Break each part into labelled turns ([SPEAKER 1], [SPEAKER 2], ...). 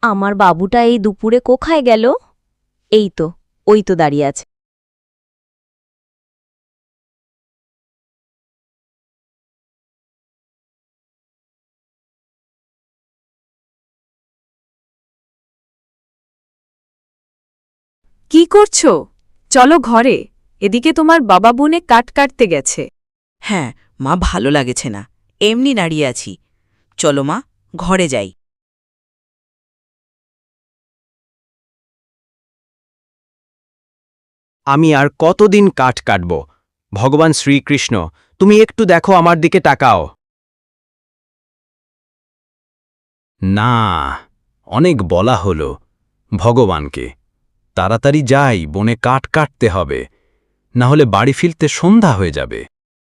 [SPEAKER 1] আমার বাবুটা এই দুপুরে কোথায় গেল? এই তো, ওই তো দাঁড়িয়ে আছে।
[SPEAKER 2] কি করছো? চলো ঘরে, এদিকে তোমার বাবা বনে কাট কাটতে গেছে।
[SPEAKER 3] হ্যাঁ, মা ভালো লাগেছে না, এমনি দাঁড়িয়ে আছি। চলো মা, ঘরে যাই।
[SPEAKER 4] আমি আর কতদিন কাঠ কাটব? ভগবান শ্রীকৃষ্ণ, তুমি একটু দেখো, আমার দিকে তাকাও। না, অনেক বলা হলো ভগবানকে। তাড়াতাড়ি যাই, বনে কাঠ কাটতে হবে, না হলে বাড়ি ফিরতে সন্ধ্যা হয়ে যাবে।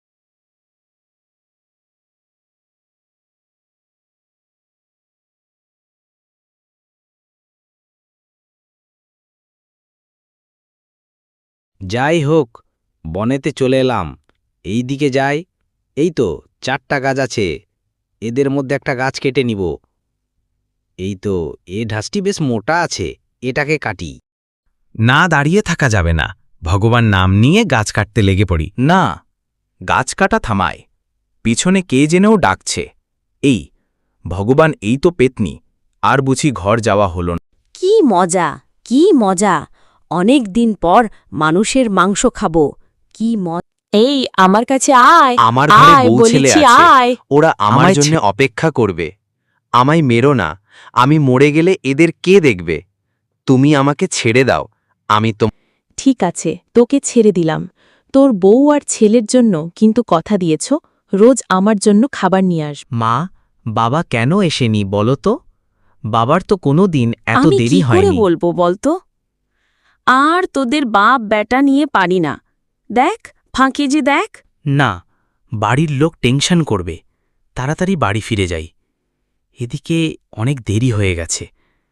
[SPEAKER 5] যাই হোক, বনেতে চলে এলাম। এই দিকে যাই। এই তো 4টা গাছ আছে, এদের মধ্যে একটা গাছ কেটে নিব। এই তো, এ ঢাসটি বেশ মোটা আছে, এটাকে কাটি।
[SPEAKER 6] না, দাঁড়িয়ে থাকা যাবে না। ভগবান নাম নিয়ে গাছ কাটতে লেগে পড়ি।
[SPEAKER 4] না, গাছ কাটা থামায়। পিছনে কে জেনেও ডাকছে। এই ভগবান, এই তো পেতনি, আর বুঝি ঘর যাওয়া হল না।
[SPEAKER 1] কি মজা, কি মজা! অনেক দিন পর মানুষের মাংস খাবো। কি এই আমার কাছে আয়।
[SPEAKER 4] আমার ঘরে
[SPEAKER 1] আয়,
[SPEAKER 4] বউ ছেলে
[SPEAKER 1] বলেছি,
[SPEAKER 4] আছে,
[SPEAKER 1] আয়।
[SPEAKER 4] ওরা আমার জন্য অপেক্ষা করবে। আমায় মেরো না, আমি মরে গেলে এদের কে দেখবে? তুমি আমাকে ছেড়ে দাও, আমি তো।
[SPEAKER 1] ঠিক আছে, তোকে ছেড়ে দিলাম। তোর বউ আর ছেলের জন্য কিন্তু কথা দিয়েছ, রোজ আমার জন্য খাবার নিয়ে আসবে।
[SPEAKER 6] মা, বাবা কেন এসেনি বলো তো? বাবার তো কোনো দিন এত
[SPEAKER 1] আমি
[SPEAKER 6] দেরি
[SPEAKER 1] কি করে
[SPEAKER 6] হয়নি।
[SPEAKER 1] বলবো বলতো? আর তোদের বাপ বেটা নিয়ে পারি না। দেখ, ফাঁকে যে দেখ।
[SPEAKER 6] না, বাড়ির লোক টেনশন করবে। তাড়াতাড়ি বাড়ি ফিরে যাই, এদিকে অনেক দেরি হয়ে গেছে।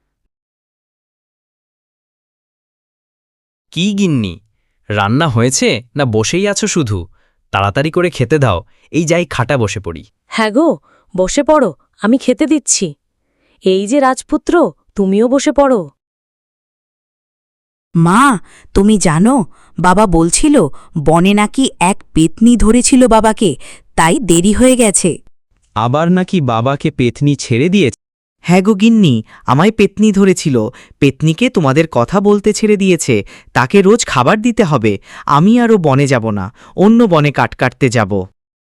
[SPEAKER 6] কি গিন্নি, রান্না হয়েছে না বসেই আছো শুধু? তাড়াতাড়ি করে খেতে দাও, এই যাই খাটা বসে পড়ি।
[SPEAKER 1] হ্যাঁ গো, বসে পড়ো, আমি খেতে দিচ্ছি। এই যে রাজপুত্র, তুমিও বসে পড়ো।
[SPEAKER 3] মা, তুমি জানো, বাবা বলছিল বনে নাকি এক পেতনি ধরেছিল বাবাকে, তাই দেরি হয়ে গেছে।
[SPEAKER 6] আবার নাকি বাবাকে পেতনি ছেড়ে দিয়েছে?
[SPEAKER 7] হ্যাঁ গো গিন্নি, আমায় পেতনি ধরেছিল। পেতনিকে তোমাদের কথা বলতে ছেড়ে দিয়েছে। তাকে রোজ খাবার দিতে হবে। আমি আরও বনে যাব না, অন্য বনে কাট কাটতে যাব।